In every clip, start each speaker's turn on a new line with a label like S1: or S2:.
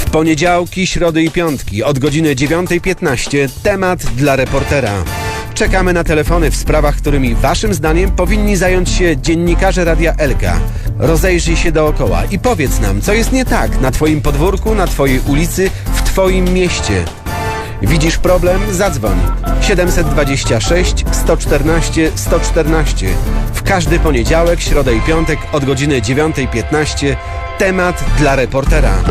S1: W poniedziałki, środy i piątki od godziny 9:15 temat dla reportera. Czekamy na telefony w sprawach, którymi waszym zdaniem powinni zająć się dziennikarze Radia Elka. Rozejrzyj się dookoła i powiedz nam, co jest nie tak na twoim podwórku, na twojej ulicy, w twoim mieście. Widzisz problem? Zadzwoń. 726 114 114. W każdy poniedziałek, środę i piątek od godziny 9:15 temat dla reportera.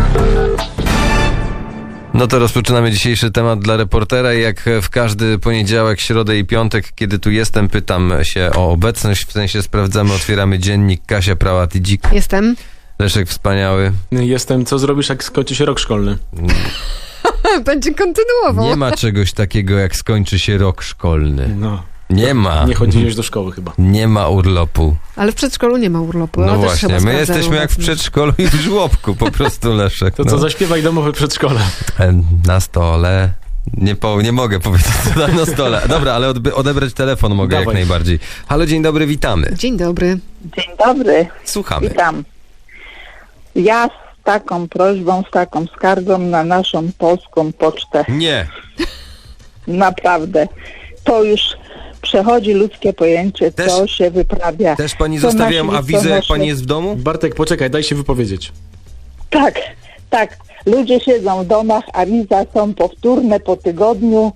S2: No to rozpoczynamy dzisiejszy temat dla reportera i jak w każdy poniedziałek, środę i piątek, kiedy tu jestem, pytam się o obecność, w sensie sprawdzamy, otwieramy dziennik. Kasia Prałat-Dzik.
S3: Jestem.
S2: Leszek Wspaniały.
S4: Jestem. Co zrobisz, jak skończy się rok szkolny?
S3: Będzie kontynuował.
S2: Nie ma czegoś takiego, jak skończy się rok szkolny.
S4: No.
S2: Nie ma.
S4: Nie chodziłeś do szkoły chyba.
S2: Nie ma urlopu.
S3: Ale w przedszkolu nie ma urlopu.
S2: No
S3: Też
S2: właśnie,
S3: chyba
S2: my jesteśmy jak w
S3: obecność.
S2: przedszkolu i w żłobku, po prostu, Leszek.
S4: To co, zaśpiewaj domowe przedszkole.
S2: Na stole. Nie mogę powiedzieć, co tam na stole. Dobra, ale odebrać telefon mogę.
S4: Dawaj.
S2: Jak najbardziej. Halo, dzień dobry, witamy.
S3: Dzień dobry.
S5: Dzień dobry,
S2: Słuchamy.
S5: witam. Ja z taką prośbą, z taką skargą na naszą polską pocztę.
S2: Nie.
S5: Naprawdę. To już przechodzi ludzkie pojęcie,
S2: Też-
S5: co się wyprawia.
S2: Też pani
S5: Co
S2: zostawiam
S5: nasi
S2: awizę, jak
S5: listonosze-
S2: pani jest w domu?
S4: Bartek, poczekaj, daj się wypowiedzieć.
S5: Tak. Ludzie siedzą w domach, awiza są powtórne po tygodniu,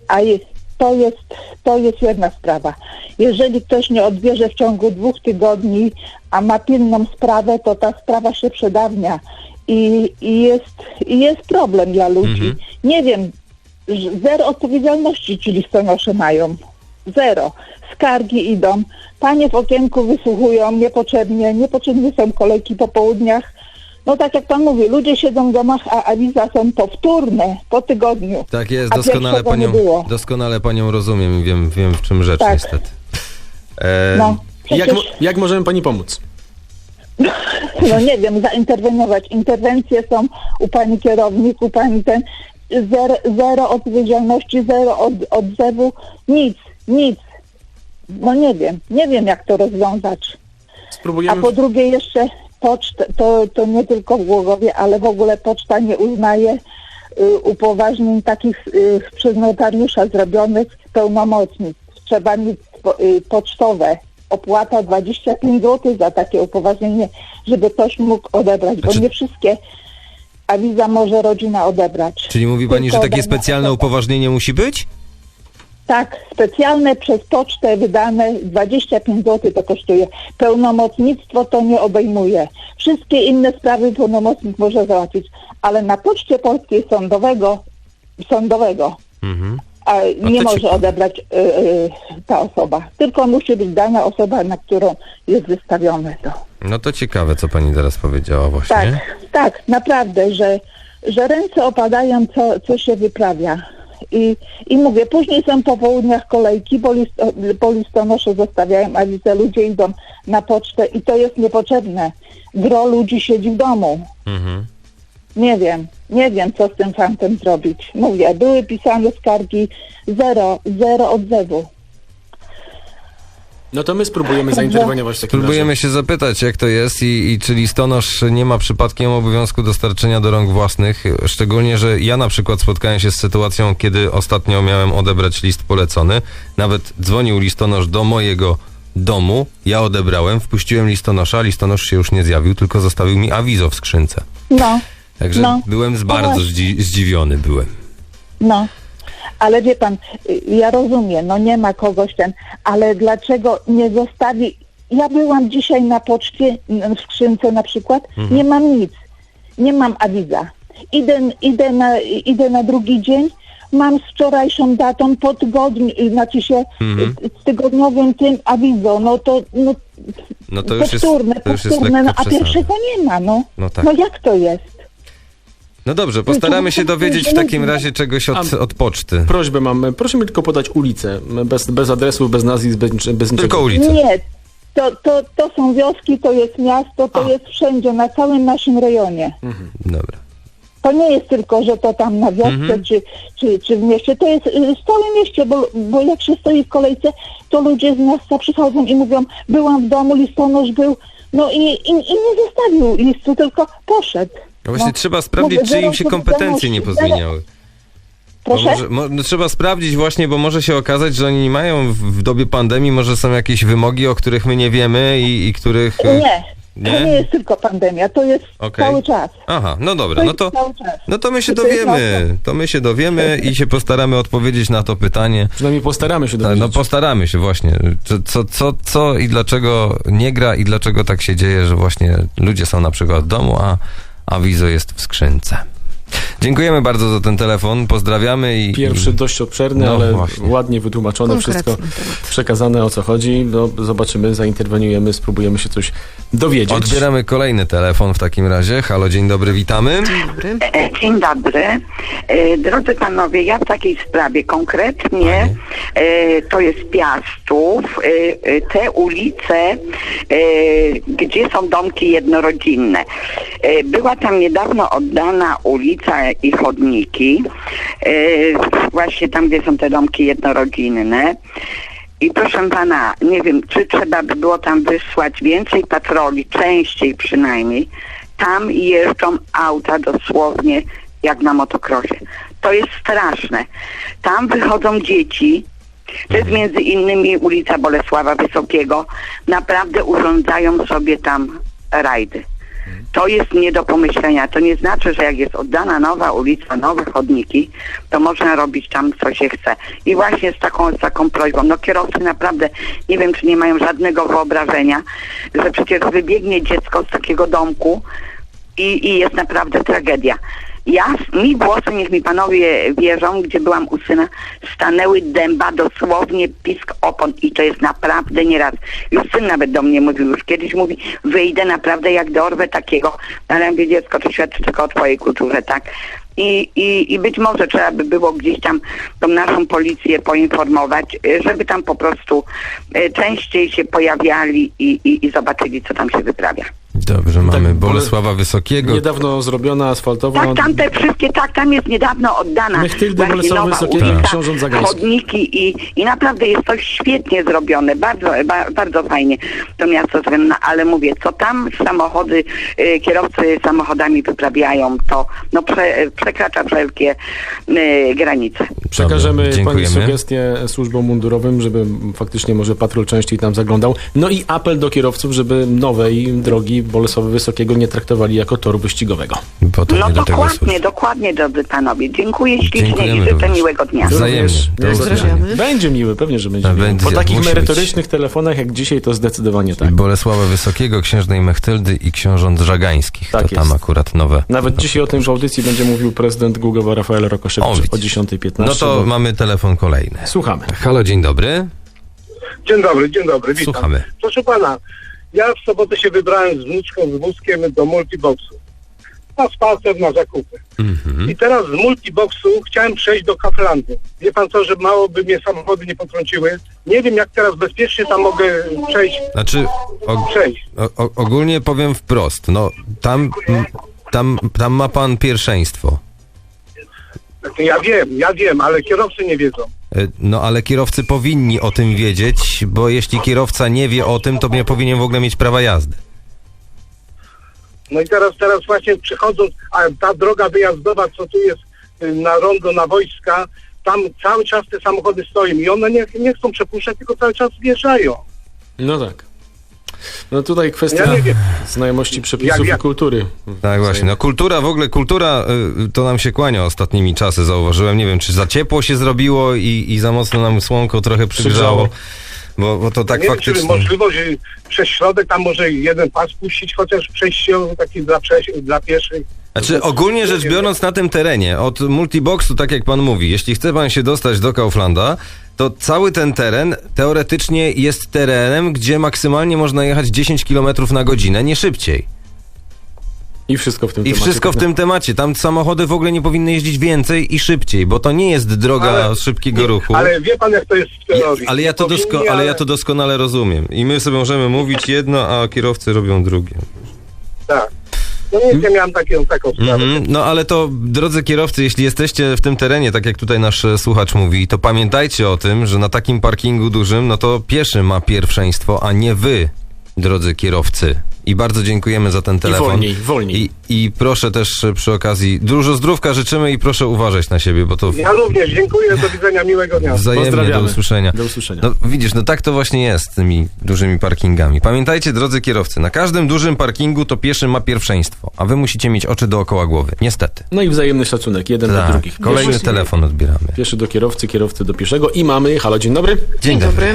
S5: to jest jedna sprawa. Jeżeli ktoś nie odbierze w ciągu 2 tygodni, a ma pilną sprawę, to ta sprawa się przedawnia i jest problem dla ludzi. Nie wiem, zero odpowiedzialności ci listonosze mają. Zero. Skargi idą, panie w okienku wysłuchują niepotrzebnie są kolejki po południach. No tak jak pan mówi, ludzie siedzą w domach, a awiza są powtórne po tygodniu.
S2: Tak jest,
S5: A pierwszego nie było.
S2: doskonale panią rozumiem i wiem w czym rzecz
S5: Tak.
S2: niestety.
S5: No, przecież,
S4: Jak możemy pani pomóc?
S5: no nie wiem, zainterweniować. Interwencje są u pani kierownik, u pani ten, zero odpowiedzialności, zero odzewu, nic. No nie wiem jak to rozwiązać. A
S4: Spróbujemy...
S5: po drugie jeszcze pocztę, to nie tylko w Głogowie, ale w ogóle poczta nie uznaje upoważnień takich przez notariusza zrobionych pełnomocnictw. Trzeba mieć pocztowe. Opłata 25 zł za takie upoważnienie, żeby ktoś mógł odebrać, bo nie wszystkie awiza może rodzina odebrać.
S2: Czyli mówi pani, że
S5: Tylko
S2: takie
S5: dana
S2: specjalne
S5: osoba.
S2: upoważnienie musi być?
S5: Tak, specjalne przez pocztę wydane 25 zł to kosztuje. Pełnomocnictwo to nie obejmuje. Wszystkie inne sprawy pełnomocnik może załatwić, ale na Poczcie Polskiej sądowego a nie
S2: to
S5: może
S2: ciekawe.
S5: odebrać ta osoba. Tylko musi być dana osoba, na którą jest wystawione to.
S2: No to ciekawe, co pani teraz powiedziała właśnie.
S5: Tak, naprawdę, że ręce opadają, co się wyprawia. I mówię, później są po południach kolejki, bo listonosze zostawiają awizę, ludzie idą na pocztę i to jest niepotrzebne. Gro ludzi siedzi w domu. Nie wiem, co z tym fantem zrobić. Mówię, były pisane skargi, zero odzewu.
S4: No to my spróbujemy zainterweniować w takim
S2: Próbujemy
S4: razie.
S2: się zapytać, jak to jest i czy listonosz nie ma przypadkiem obowiązku dostarczenia do rąk własnych, szczególnie, że ja na przykład spotkałem się z sytuacją, kiedy ostatnio miałem odebrać list polecony, nawet dzwonił listonosz do mojego domu, ja odebrałem, wpuściłem listonosza, listonosz się już nie zjawił, tylko zostawił mi awizo w skrzynce. Także byłem bardzo zdziwiony byłem.
S5: No, ale wie pan, ja rozumiem, no nie ma kogoś ale dlaczego nie zostawi... Ja byłam dzisiaj na poczcie, w skrzynce na przykład, nie mam nic, nie mam awiza. Idę na drugi dzień, mam z wczorajszą datą po tygodniu, znaczy się z tygodniowym tym awizo, no to
S2: już jest
S5: powtórne,
S2: lekko
S5: a pierwszego nie ma, no.
S2: No tak.
S5: No jak to jest?
S2: No dobrze, postaramy się dowiedzieć w takim razie czegoś od poczty.
S4: Prośbę mam, proszę mi tylko podać ulicę, bez adresu, bez nazwisk, bez niczego.
S2: Tylko ulicę.
S5: Nie, to są wioski, to jest miasto, to jest wszędzie, na całym naszym rejonie.
S2: Dobra.
S5: To nie jest tylko, że to tam na wiosce czy w mieście, to jest w całym mieście, bo jak się stoi w kolejce, to ludzie z miasta przychodzą i mówią, byłam w domu, listonosz był, no i nie zostawił listu, tylko poszedł.
S2: No właśnie
S5: No,
S2: trzeba sprawdzić,
S5: mówię,
S2: czy im
S5: zero
S2: się kompetencje nie
S5: odpowiedzialności,
S2: pozmieniały. Bo
S5: Proszę?
S2: no, trzeba sprawdzić właśnie, bo może się okazać, że oni mają w dobie pandemii, może są jakieś wymogi, o których my nie wiemy i których...
S5: Nie,
S2: Nie?
S5: to nie jest tylko pandemia, to jest
S2: Okej.
S5: cały czas.
S2: Aha, no dobra,
S5: To
S2: no
S5: jest
S2: to...
S5: cały czas.
S2: No to my się
S5: To jest
S2: dowiemy, to my się dowiemy i się postaramy odpowiedzieć na to pytanie.
S4: Przynajmniej postaramy się
S2: Tak,
S4: dowiedzieć.
S2: no postaramy się właśnie. Co i dlaczego nie gra i dlaczego tak się dzieje, że właśnie ludzie są na przykład w domu, a wizo jest w skrzynce. Dziękujemy bardzo za ten telefon, pozdrawiamy i...
S4: Pierwszy dość obszerny,
S2: No
S4: ale
S2: właśnie.
S4: ładnie wytłumaczone,
S3: Konkretny
S4: wszystko
S3: temat.
S4: przekazane, o co chodzi. No, zobaczymy, zainterweniujemy, spróbujemy się coś dowiedzieć.
S2: Odbieramy kolejny telefon w takim razie. Halo, dzień dobry, witamy.
S3: Dzień dobry.
S6: Dzień dobry. Drodzy panowie, ja w takiej sprawie konkretnie to jest Piastów, te ulice, gdzie są domki jednorodzinne. Była tam niedawno oddana ulica i chodniki, właśnie tam, gdzie są te domki jednorodzinne. I proszę pana, nie wiem, czy trzeba by było tam wysłać więcej patroli, częściej przynajmniej. Tam jeżdżą auta dosłownie jak na motocrossie. To jest straszne. Tam wychodzą dzieci. To jest między innymi ulica Bolesława Wysokiego. Naprawdę urządzają sobie tam rajdy. To jest nie do pomyślenia. To nie znaczy, że jak jest oddana nowa ulica, nowe chodniki, to można robić tam, co się chce. I właśnie z taką prośbą. No kierowcy naprawdę, nie wiem, czy nie mają żadnego wyobrażenia, że przecież wybiegnie dziecko z takiego domku i jest naprawdę tragedia. Mi włosy, niech mi panowie wierzą, gdzie byłam u syna, stanęły dęba, dosłownie pisk opon i to jest naprawdę nieraz. Już syn nawet do mnie mówił, już kiedyś mówi, wyjdę naprawdę jak dorwę takiego, ale ja mówię, dziecko, to świadczy tylko o twojej kulturze, tak? I być może trzeba by było gdzieś tam tą naszą policję poinformować, żeby tam po prostu częściej się pojawiali i zobaczyli, co tam się wyprawia.
S2: Dobrze, mamy
S4: Tak,
S2: Bolesława Wysokiego.
S4: Niedawno zrobiona asfaltowa.
S6: Tak, tam te wszystkie, tak, tam jest niedawno oddana
S4: Mechtildy,
S6: właśnie
S4: Bolesława
S6: nowa
S4: Wysokiego,
S6: ulica,
S4: Książąt Zagańskich.
S6: chodniki i naprawdę jest to świetnie zrobione, bardzo fajnie to miasto zrobione, no, ale mówię, co tam samochody, kierowcy samochodami wyprawiają, to no, przekracza wszelkie granice.
S4: Przekażemy
S2: Dobra,
S4: pani
S2: dziękujemy.
S4: sugestię służbom mundurowym, żeby faktycznie może patrol częściej tam zaglądał. No i apel do kierowców, żeby nowej drogi Bolesławy Wysokiego nie traktowali jako toru wyścigowego.
S2: Bo to
S6: No
S2: nie do tego służy.
S6: dokładnie, drodzy panowie. Dziękuję ślicznie
S2: Dziękujemy
S6: i życzę
S2: również.
S6: miłego dnia.
S2: Wzajemnie. Do
S4: Również
S2: usłyszenia.
S4: Będzie miły, pewnie, że będzie miły.
S2: Będzie,
S4: Po takich
S2: musi
S4: merytorycznych telefonach jak dzisiaj to zdecydowanie tak.
S2: Bolesława Wysokiego, księżnej Mechtyldy i książąt Żagańskich.
S4: Tak
S2: to tam
S4: jest.
S2: akurat nowe.
S4: Nawet dzisiaj o tym w audycji będzie mówił prezydent Gługowa Rafael Rokoszewicz o
S2: widzisz.
S4: 10:15.
S2: No to mamy telefon kolejny.
S4: Słuchamy.
S2: Halo, dzień dobry.
S7: Dzień dobry, witam.
S2: Słuchamy.
S7: Proszę pana, ja w sobotę się wybrałem z wnuczką, z wózkiem do multiboxu. Na spacer, na zakupy. I teraz z multiboxu chciałem przejść do Kauflandu. Wie pan co, że mało by mnie samochody nie potrąciły. Nie wiem, jak teraz bezpiecznie tam mogę przejść.
S2: Znaczy, ogólnie powiem wprost, no tam ma pan pierwszeństwo.
S7: Ja wiem, ale kierowcy nie wiedzą.
S2: No ale kierowcy powinni o tym wiedzieć, bo jeśli kierowca nie wie o tym, to nie powinien w ogóle mieć prawa jazdy.
S7: No i teraz właśnie przychodząc, a ta droga wyjazdowa, co tu jest na rondo, na wojska, tam cały czas te samochody stoją i one nie chcą przepuszczać, tylko cały czas wjeżdżają.
S4: No tak. No tutaj kwestia
S7: Ja nie wiem.
S4: znajomości przepisów i kultury.
S2: Tak właśnie, no kultura to nam się kłania ostatnimi czasy, zauważyłem. Nie wiem, czy za ciepło się zrobiło i za mocno nam słonko trochę przygrzało. Bo to tak
S7: nie
S2: faktycznie...
S7: wiem, czy możliwość przez środek tam może jeden pas puścić, chociaż przejściowy taki dla pieszych.
S2: Znaczy ogólnie rzecz biorąc na tym terenie, od multiboxu, tak jak pan mówi, jeśli chce pan się dostać do Kauflanda, to cały ten teren teoretycznie jest terenem, gdzie maksymalnie można jechać 10 km na godzinę, nie szybciej.
S4: I wszystko w tym
S2: I
S4: temacie.
S2: wszystko w tym temacie. Tam samochody w ogóle nie powinny jeździć więcej i szybciej, bo to nie jest droga szybkiego ruchu.
S7: Ale wie pan, jak to jest w teorii.
S2: Ale ja to doskonale rozumiem. I my sobie możemy mówić jedno, a kierowcy robią drugie.
S7: Tak. No nie miałem taką sprawę.
S2: No ale to, drodzy kierowcy, jeśli jesteście w tym terenie, tak jak tutaj nasz słuchacz mówi, to pamiętajcie o tym, że na takim parkingu dużym, no to pieszy ma pierwszeństwo, a nie wy, drodzy kierowcy. I bardzo dziękujemy za ten telefon.
S4: Wolniej.
S2: I proszę też przy okazji, dużo zdrówka życzymy i proszę uważać na siebie, bo to
S7: Ja również dziękuję, do widzenia, miłego dnia.
S2: wzajemnie do
S4: Pozdrawiamy.
S2: usłyszenia.
S4: Do usłyszenia.
S2: No widzisz, no tak to właśnie jest z tymi dużymi parkingami. Pamiętajcie, drodzy kierowcy, na każdym dużym parkingu to pieszy ma pierwszeństwo, a wy musicie mieć oczy dookoła głowy. Niestety.
S4: No i wzajemny szacunek, jeden dla
S2: Tak,
S4: drugich.
S2: kolejny telefon odbieramy.
S4: Pieszy do kierowcy, kierowcy do pieszego i mamy... Halo, dzień dobry.
S2: Dzień dobry.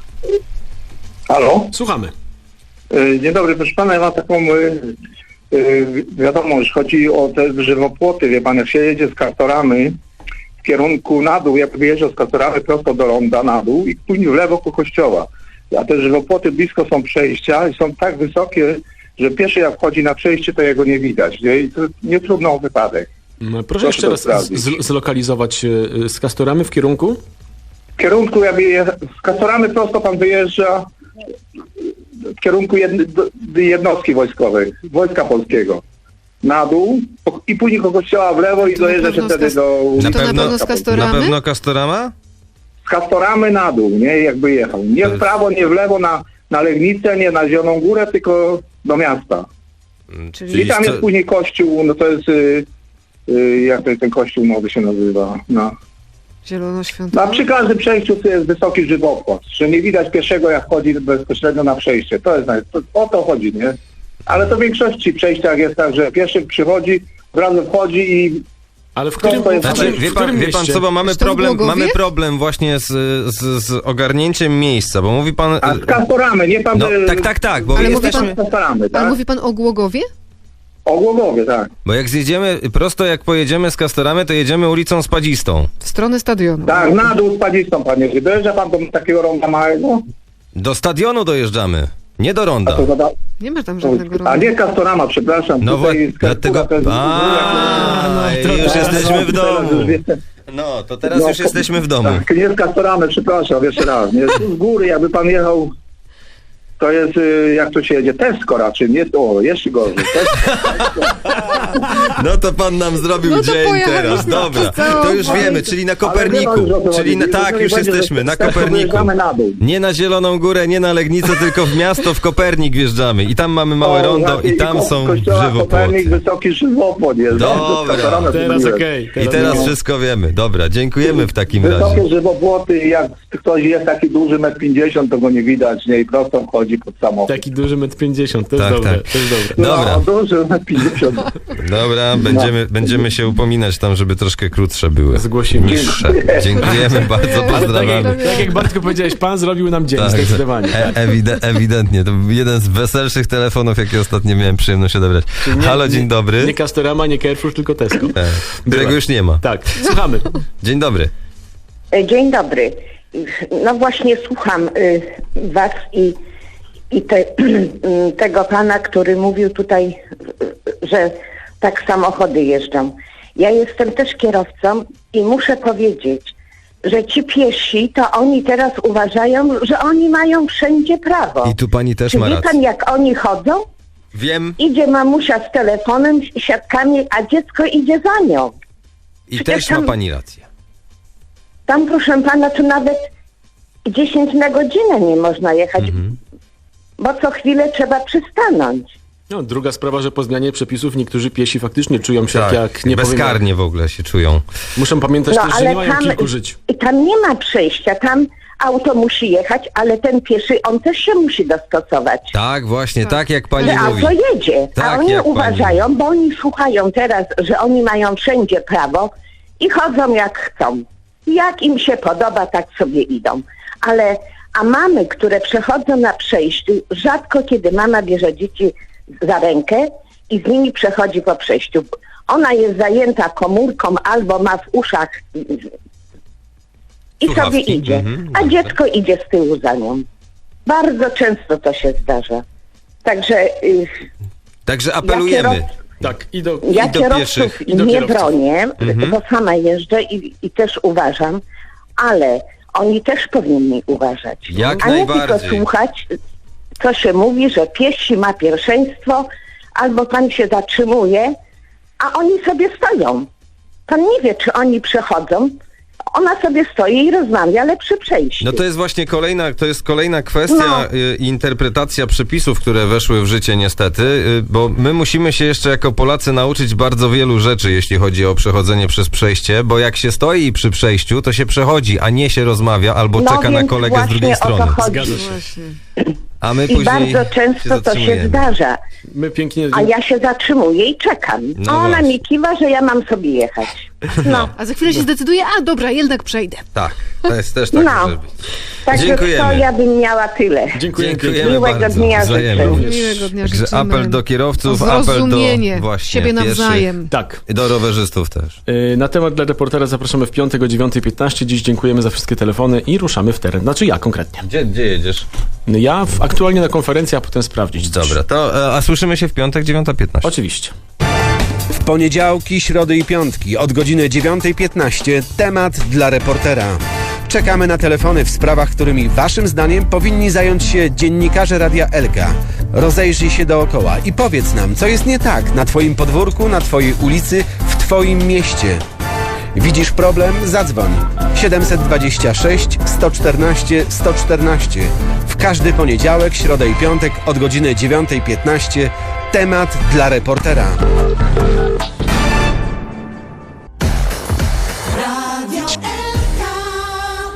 S7: Halo?
S4: Słuchamy.
S7: Dzień dobry, proszę pana, ja mam taką wiadomość, chodzi o te żywopłoty, wie pan, jak się jedzie z Kastoramy w kierunku na dół, jak wyjeżdża z Kastoramy prosto do ronda na dół i później w lewo ku kościoła. A te żywopłoty blisko są przejścia i są tak wysokie, że pieszy jak wchodzi na przejście, to jego nie widać, nie? I to nie trudno o wypadek.
S4: Proszę jeszcze
S7: to
S4: raz
S7: sprawdzić.
S4: zlokalizować z Kastoramy w kierunku?
S7: W kierunku, z Kastoramy prosto pan wyjeżdża w kierunku jednostki wojskowej, Wojska Polskiego. Na dół i później koło kościoła w lewo i
S3: To na
S7: dojeżdża się
S3: pewno
S7: wtedy do...
S3: Czy to na pewno z
S2: Na
S3: Kastoramy?
S2: pewno Castorama?
S7: Z Kastoramy na dół, nie? Jakby jechał. Nie w prawo, nie w lewo na Legnicę, nie na Zieloną Górę, tylko do miasta. I tam jest później kościół, no to jest... jak to ten kościół nowy się nazywa? No.
S3: Zielonoświątkowy?
S7: Przy każdym przejściu to jest wysoki żywopłot, że nie widać pieszego, jak chodzi bezpośrednio na przejście. To jest o to chodzi, nie? Ale to w większości przejściach jest tak, że pieszy przychodzi, od razu wchodzi i...
S4: Ale w którym,
S7: to jest-
S2: Znaczy, wie pan
S4: mieście?
S2: co, bo mamy
S3: Czy to w Głogowie?
S2: problem właśnie z ogarnięciem miejsca, bo mówi pan...
S7: A z Kastoramy, nie pan...
S2: No, tak, bo
S3: Ale mówi
S2: jesteśmy...
S7: Z Kastoramy,
S3: Ale
S7: tak?
S3: mówi pan o Głogowie?
S7: O Głogowie, tak.
S2: Bo jak zjedziemy, prosto jak pojedziemy z Castoramy, to jedziemy ulicą Spadzistą.
S3: W stronę stadionu.
S7: Tak, na dół z Padzistą, panie. Dojeżdża pan do takiego ronda małego?
S2: Do stadionu dojeżdżamy, nie do ronda.
S7: To zada...
S3: Nie ma tam żadnego
S7: A
S3: ronda.
S7: nie Kastorama, przepraszam.
S2: No
S7: Tutaj z
S2: dlatego...
S7: to jest...
S2: już jesteśmy w domu.
S7: Teraz już jestem-
S2: No, to teraz już jesteśmy w domu.
S7: Tak, nie z Kastoramy, przepraszam, jeszcze raz. Nie, z góry, jakby pan jechał, to jest, jak to się jedzie, Tesco raczej, nie, jeszcze gorzej.
S2: No to pan nam zrobił
S3: No to
S2: dzień
S3: pojechaliśmy
S2: teraz, dobra.
S3: przez całą
S2: To już
S3: Polskę.
S2: wiemy, czyli na
S7: Ale wie
S2: Koperniku.
S7: pan, że o co
S2: Czyli
S7: chodzi.
S2: tak,
S7: Nie
S2: już
S7: będzie, że
S2: jesteśmy, na
S7: z Tesco
S2: Koperniku.
S7: wyjeżdżamy na dół.
S2: Nie na Zieloną Górę, nie na Legnicę, tylko w miasto, w Kopernik wjeżdżamy. I tam mamy małe rondo i tam są
S7: Kopernik,
S2: żywopłoty.
S7: wysoki żywopłot jest.
S2: Dobra.
S4: Teraz okej.
S2: I teraz wszystko wiemy. Dobra, dziękujemy w takim razie.
S7: Wysokie żywopłoty, jak ktoś jest taki duży, 1,50 m, to go nie widać, nie, i prosto wchodzi pod samochód.
S4: Taki duży 1,50 m, to jest
S2: Tak,
S4: dobre,
S2: tak.
S4: to jest dobre.
S2: Dobra.
S7: No, duży 1,50 m.
S2: Dobra, będziemy się upominać tam, żeby troszkę krótsze były.
S4: Zgłosimy.
S2: Niższe. Dziękujemy bardzo, pozdrawiamy.
S4: Tak jak Bartku powiedziałeś, pan zrobił nam dzień,
S2: Tak,
S4: zdecydowanie.
S2: ewidentnie. To był jeden z weselszych telefonów, jakie ostatnio miałem przyjemność odebrać. Halo, dzień dobry.
S4: Nie Castorama, nie Carrefour, tylko Tesco.
S2: Którego
S4: Była.
S2: już nie ma.
S4: Tak, słuchamy.
S2: Dzień dobry.
S6: Dzień dobry. No właśnie słucham was i tego pana, który mówił tutaj, że tak samochody jeżdżą. Ja jestem też kierowcą i muszę powiedzieć, że ci piesi, to oni teraz uważają, że oni mają wszędzie prawo.
S2: I tu pani też
S6: Czy
S2: ma
S6: wie
S2: rację.
S6: pan, jak oni chodzą?
S2: Wiem
S6: Idzie mamusia z telefonem, siatkami, a dziecko idzie za nią.
S2: i
S6: Przecież
S2: też ma
S6: tam-
S2: pani rację.
S6: Tam, proszę pana, to nawet 10 na godzinę nie można jechać, bo co chwilę trzeba przystanąć.
S4: No, druga sprawa, że po zmianie przepisów niektórzy piesi faktycznie czują się
S2: Tak,
S4: jak nie powiem,
S2: bezkarnie w ogóle się czują.
S4: muszą pamiętać
S6: No
S4: też, że
S6: ale
S4: nie mają
S6: tam,
S4: kilku żyć.
S6: i tam nie ma przejścia, tam auto musi jechać, ale ten pieszy, on też się musi dostosować.
S2: Tak, właśnie, tak jak pani
S6: Że
S2: mówi.
S6: auto jedzie,
S2: Tak,
S6: a oni
S2: jak pani
S6: uważają, bo oni słuchają teraz, że oni mają wszędzie prawo i chodzą jak chcą. Jak im się podoba, tak sobie idą. A mamy, które przechodzą na przejściu, rzadko kiedy mama bierze dzieci za rękę i z nimi przechodzi po przejściu. Ona jest zajęta komórką albo ma w uszach i
S2: Słuchawki.
S6: sobie idzie, a dziecko idzie z tyłu za nią. Bardzo często to się zdarza. Także
S2: Także
S6: ja
S2: apelujemy.
S4: Tak, i do...
S6: ja
S2: do
S6: kierowców
S2: pieszych,
S4: i do
S6: nie
S4: kierowców.
S6: bronię, bo sama jeżdżę i też uważam, ale oni też powinni uważać.
S2: Jak
S6: a nie
S2: najbardziej.
S6: tylko słuchać, co się mówi, że piesi ma pierwszeństwo, albo pan się zatrzymuje, a oni sobie stoją. Pan nie wie, czy oni przechodzą
S8: Ona sobie stoi i rozmawia, ale przy przejściu.
S2: No to jest właśnie kolejna kwestia interpretacja przepisów, które weszły w życie niestety, bo my musimy się jeszcze jako Polacy nauczyć bardzo wielu rzeczy, jeśli chodzi o przechodzenie przez przejście, bo jak się stoi przy przejściu, to się przechodzi, a nie się rozmawia albo czeka na
S8: więc
S2: kolegę z drugiej
S8: właśnie o
S2: strony.
S8: to chodzi.
S4: Zgadza się.
S3: Właśnie.
S2: A my
S8: I
S2: później
S8: bardzo często to się
S2: zatrzymujemy.
S8: zdarza.
S4: My pięknie...
S8: A ja się zatrzymuję i czekam.
S2: No
S8: A ona
S2: właśnie.
S8: mi kiwa, że ja mam sobie jechać. No.
S3: A za chwilę się zdecyduje, a dobra, jednak przejdę.
S2: Tak, to jest też tak
S8: No.
S2: może być.
S8: Także
S2: Dziękujemy.
S8: to ja bym miała tyle.
S4: Dziękujemy.
S8: Miłego
S2: bardzo.
S8: dnia życzę.
S2: Wzajemnie.
S3: Miłego dnia
S2: Także
S3: życzymy.
S2: apel do kierowców,
S3: O
S2: apel do
S3: zrozumienie
S2: właśnie
S3: siebie
S2: pieszych.
S3: nawzajem.
S4: Tak.
S2: I do rowerzystów też.
S4: Na temat dla reportera zapraszamy w piątek o 9:15. Dziś dziękujemy za wszystkie telefony i ruszamy w teren. Znaczy ja konkretnie.
S2: Gdzie jedziesz?
S4: Ja aktualnie na konferencji, a potem sprawdzić coś.
S2: Dobra, to a słyszymy się w piątek 9:15.
S4: Oczywiście.
S1: W poniedziałki, środy i piątki od godziny 9:15 temat dla reportera. Czekamy na telefony w sprawach, którymi waszym zdaniem powinni zająć się dziennikarze Radia Elka. Rozejrzyj się dookoła i powiedz nam, co jest nie tak na twoim podwórku, na twojej ulicy, w twoim mieście. Widzisz problem? Zadzwoń. 726 114 114. W każdy poniedziałek, środę i piątek od godziny 9:15 temat dla reportera.